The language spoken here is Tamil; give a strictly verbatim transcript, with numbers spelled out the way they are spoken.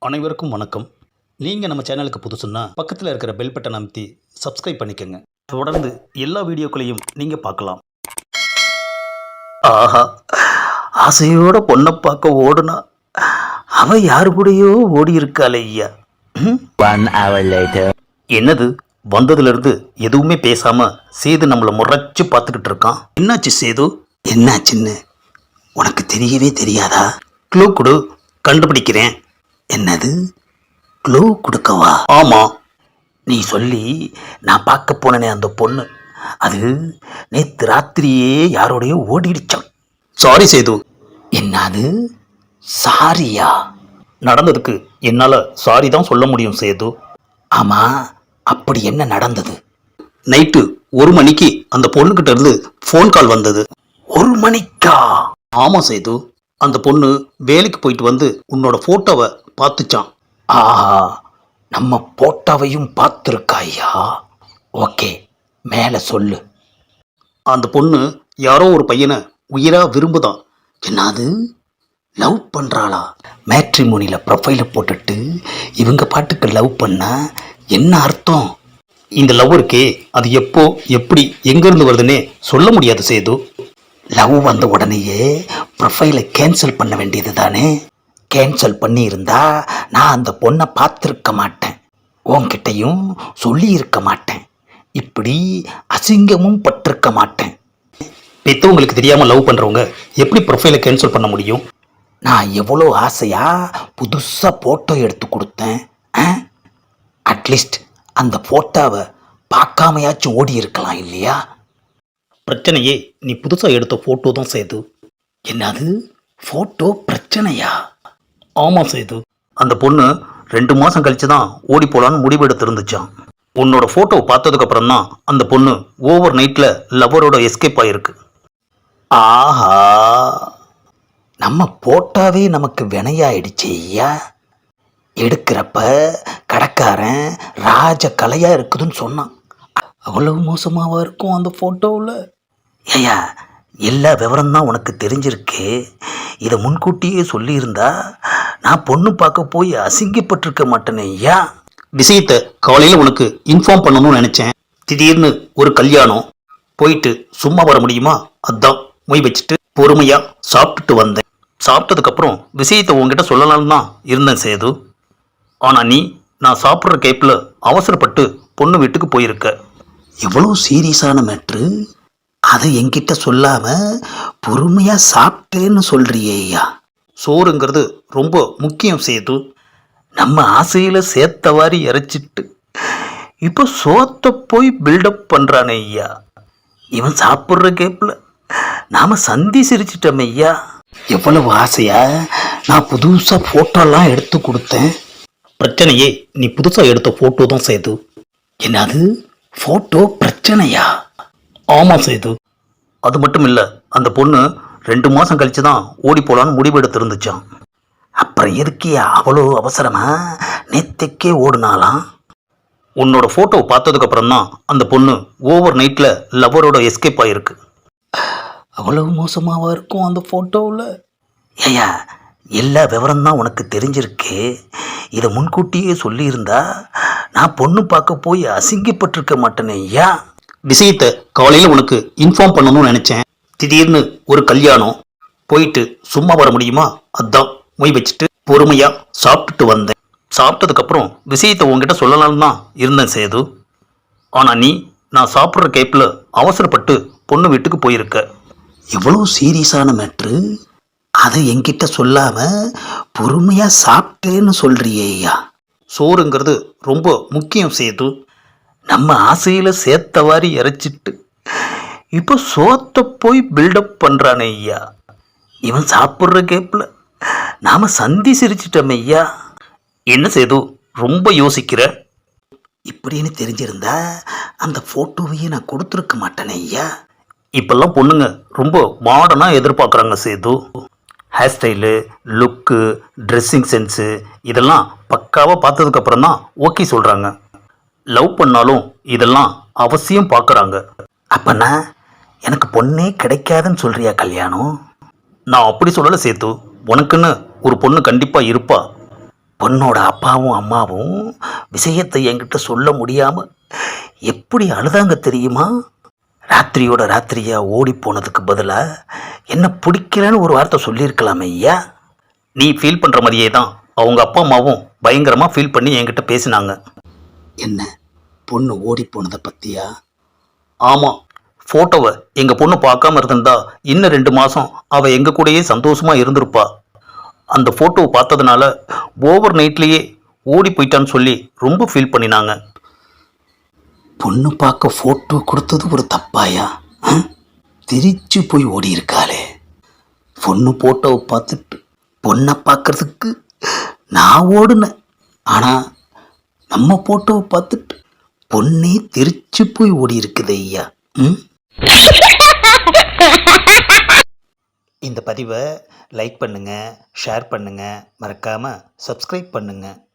அனைவருக்கும் வணக்கம். நீங்கள் நம்ம சேனலுக்கு புதுசுன்னா பக்கத்தில் இருக்கிற பெல் பட்டன் அமைத்தி சப்ஸ்கிரைப் பண்ணிக்கோங்க. தொடர்ந்து எல்லா வீடியோக்களையும் நீங்கள் பார்க்கலாம். ஆஹா, ஆசையோட பொண்ணை பார்க்க ஓடுனா அவ யாரு கூடயோ ஓடி இருக்காளே ஐயா. One hour later. என்னது, வந்ததுலேருந்து எதுவுமே பேசாம சேது நம்மளை முறைச்சு பார்த்துக்கிட்டு இருக்கான். என்னாச்சு சேது? என்னாச்சுன்னு உனக்கு தெரியவே தெரியாதா? க்ளூ கொடு, கண்டுபிடிக்கிறேன். என்னது, க்ளூ கொடுக்கவா? ஆமாம். நீ சொல்லி நான் பார்க்க போனேனே அந்த பொண்ணு, அது நேற்று ராத்திரியே யாரோடையோ ஓடிடுச்சான். சாரி சேது. என்னது, சாரியா? நடந்ததுக்கு என்னால் சாரி தான் சொல்ல முடியும் சேது. ஆமாம், அப்படி என்ன நடந்தது? நைட்டு ஒரு மணிக்கு அந்த பொண்ணுக்கிட்ட இருந்து ஃபோன் கால் வந்தது. ஒரு மணிக்கா? ஆமாம் சேது, அந்த பொண்ணு வேலைக்கு போயிட்டு வந்து உன்னோட ஃபோட்டோவை பார்த்துச்சான். ஆஹா, நம்ம போட்டாவையும் பார்த்துருக்காயா? ஓகே, மேலே சொல்லு. அந்த பொண்ணு யாரோ ஒரு பையனை உயிராக விரும்புதான். என்னது, லவ் பண்ணுறாளா? மேட்ரிமோனியில் ப்ரொஃபைலை போட்டுட்டு இவங்க பாட்டுக்கு லவ் பண்ணா என்ன அர்த்தம்? இந்த லவ் இருக்கே, அது எப்போ எப்படி எங்கேருந்து வருதுன்னே சொல்ல முடியாது சேது. லவ் வந்த உடனேயே ப்ரொஃபைலை கேன்சல் பண்ண வேண்டியது தானே? கேன்சல் பண்ணியிருந்தா நான் அந்த பொண்ணை பார்த்துருக்க மாட்டேன், உன்கிட்டையும் சொல்லியிருக்க மாட்டேன், இப்படி அசிங்கமும் பட்டிருக்க மாட்டேன். பெற்றவங்களுக்கு தெரியாமல் லவ் பண்ணுறவங்க எப்படி ப்ரொஃபைலை கேன்சல் பண்ண முடியும்? நான் எவ்வளோ ஆசையாக புதுசாக ஃபோட்டோ எடுத்து கொடுத்தேன். அட்லீஸ்ட் அந்த ஃபோட்டோவை பார்க்காமையாச்சும் ஓடி இருக்கலாம் இல்லையா? பிரச்சனையே நீ புதுசாக எடுத்த ஃபோட்டோ தான் சேது. என்னது, ஃபோட்டோ பிரச்சனையா? ஆமாம் சேது, அந்த பொண்ணு ரெண்டு மாதம் கழிச்சு தான் ஓடி போகலான்னு முடிவெடுத்து இருந்துச்சான். உன்னோட ஃபோட்டோவை பார்த்ததுக்கப்புறம் தான் அந்த பொண்ணு ஓவர் நைட்டில் லவரோட எஸ்கேப் ஆகிருக்கு. ஆஹா, நம்ம போட்டாவே நமக்கு வினையாயிடுச்சு ஐயா. எடுக்கிறப்ப கடைக்காரன் ராஜ கலையாக இருக்குதுன்னு சொன்னான். அவ்வளவு மோசமாவா இருக்கும் அந்த ஃபோட்டோவில்? ஐயா, எல்லா விவரம்தான் உனக்கு தெரிஞ்சிருக்கு. இதை முன்கூட்டியே சொல்லியிருந்தா நான் பொண்ணு பார்க்க போய் அசிங்கப்பட்டிருக்க மாட்டேனே ஐயா. விஷயத்தை காலையில் உனக்கு இன்ஃபார்ம் பண்ணணும்னு நினச்சேன். திடீர்னு ஒரு கல்யாணம், போயிட்டு சும்மா வர முடியுமா? அதான் மொய் வச்சுட்டு பொறுமையாக சாப்பிட்டுட்டு வந்தேன். சாப்பிட்டதுக்கப்புறம் விஷயத்தை உங்ககிட்ட சொல்லலாம்னு தான் இருந்தேன் சேது. ஆனால் நீ நான் சாப்பிட்ற கேப்பில் அவசரப்பட்டு பொண்ணு வீட்டுக்கு போயிருக்க. எவ்வளோ சீரியஸான மேட்ரு, அதை என்கிட்ட சொல்லாமல் பொறுமையாக சாப்பிட்டேன்னு சொல்கிறியே ஐயா. சோறுங்கிறது ரொம்ப முக்கியம் சேது. நம்ம ஆசையில் சேர்த்தவாரி இறைச்சிட்டு இப்போ சோத்தை போய் பில்டப் பண்ணுறானே ஐயா. இவன் சாப்பிட்ற கேப்பில் நாம் சந்தி சிரிச்சிட்டோம் ஐயா. எவ்வளவு ஆசையா நான் புதுசாக ஃபோட்டோலாம் எடுத்து கொடுத்தேன். பிரச்சனையே நீ புதுசாக எடுத்த ஃபோட்டோ தான் சேது. என்னது, ஃபோட்டோ பிரச்சனையா? ஆமாம் சேது, அது மட்டும் இல்லை, அந்த பொண்ணு ரெண்டு மாதம் கழிச்சு தான் ஓடி போகலான்னு முடிவெடுத்து இருந்துச்சான். அப்புறம் எதுக்கு அவ்வளோ அவசரமா நேத்தைக்கே ஓடுனாலாம்? உன்னோட ஃபோட்டோவை பார்த்ததுக்கப்புறம் தான் அந்த பொண்ணு ஓவர் நைட்டில் லவரோட எஸ்கேப் ஆகிருக்கு. அவ்வளவு மோசமாவா இருக்கும் அந்த ஃபோட்டோவில்? ஐயா, எல்லா விவரம்தான் உனக்கு தெரிஞ்சிருக்கு. இதை முன்கூட்டியே சொல்லியிருந்தா நான் பொண்ணு பார்க்க போய் அசிங்கப்பட்டிருக்க மாட்டேனே ஐயா. விஷயத்தை காலையில் உனக்கு இன்ஃபார்ம் பண்ணணும்னு நினச்சேன். திடீர்னு ஒரு கல்யாணம், போயிட்டு சும்மா வர முடியுமா? அதான் மொய் வச்சுட்டு பொறுமையாக சாப்பிட்டுட்டு வந்தேன். சாப்பிட்டதுக்கப்புறம் விஷயத்தை உங்ககிட்ட சொல்லலாம்னு தான் இருந்தேன் சேது. ஆனால் நீ நான் சாப்பிட்ற கேப்பில் அவசரப்பட்டு பொண்ணு வீட்டுக்கு போயிருக்க. எவ்வளோ சீரியஸான மேட்ரு, அதை என்கிட்ட சொல்லாமல் பொறுமையாக சாப்பிட்டேன்னு சொல்கிறியே ஐயா. சோறுங்கிறது ரொம்ப முக்கியம் சேது. நம்ம ஆசையில் சேர்த்தவாரி இறைச்சிட்டு இப்போ சோத்தை போய் பில்டப் பண்ணுறானே ஐயா. இவன் சாப்பிட்ற கேப்பில் நாம் சந்தி சிரிச்சிட்டோம் ஐயா. என்ன சேது, ரொம்ப யோசிக்கிற? இப்படின்னு தெரிஞ்சிருந்தா அந்த ஃபோட்டோவையே நான் கொடுத்துருக்க மாட்டேனே ஐயா. இப்போல்லாம் பொண்ணுங்க ரொம்ப மாடர்னாக எதிர்பார்க்குறாங்க Sethu. Hair style, look, dressing sense இதெல்லாம் பக்காவாக பார்த்ததுக்கப்புறம் தான் ஓகே சொல்கிறாங்க. லவ் பண்ணாலும் இதெல்லாம் அவசியம் பார்க்குறாங்க. அப்போனா எனக்கு பொண்ணே கிடைக்காதுன்னு சொல்கிறியா கல்யாணம்? நான் அப்படி சொல்லலை சேது, உனக்குன்னு ஒரு பொண்ணு கண்டிப்பாக இருப்பா. பொண்ணோட அப்பாவும் அம்மாவும் விஷயத்தை என்கிட்ட சொல்ல முடியாமல் எப்படி அழுதாங்க தெரியுமா? ராத்திரியோட ராத்திரியா ஓடி போனதுக்கு பதிலாக என்ன பிடிக்கலன்னு ஒரு வார்த்தை சொல்லியிருக்கலாமே ஐயா. நீ ஃபீல் பண்ணுற மாதிரியே தான் அவங்க அப்பா அம்மாவும் பயங்கரமாக ஃபீல் பண்ணி என்கிட்ட பேசினாங்க. என்ன பொண்ணு ஓடி போனதை பற்றியா? ஆமாம், ஃபோட்டோவை எங்கள் பொண்ணு பார்க்காம இருந்திருந்தா இன்னும் ரெண்டு மாதம் அவள் எங்கள் கூடயே சந்தோஷமாக இருந்திருப்பா. அந்த ஃபோட்டோவை பார்த்ததுனால ஓவர் நைட்லேயே ஓடி போயிட்டான்னு சொல்லி ரொம்ப ஃபீல் பண்ணினாங்க. பொண்ணு பார்க்க ஃபோட்டோ கொடுத்தது ஒரு தப்பாயா? திரிச்சு போய் ஓடி இருக்காளே. பொண்ணு ஃபோட்டோவை பார்த்துட்டு பொண்ணை பார்க்கறதுக்கு நான் ஓடுனேன். ஆனால் நம்ம ஃபோட்டோவை பார்த்துட்டு பொண்ணே திரிச்சு போய் ஓடி இருக்குது ஐயா. ம் இந்த பதிவை லைக் பண்ணுங்கள், ஷேர் பண்ணுங்கள், மறக்காமல் சப்ஸ்கிரைப் பண்ணுங்கள்.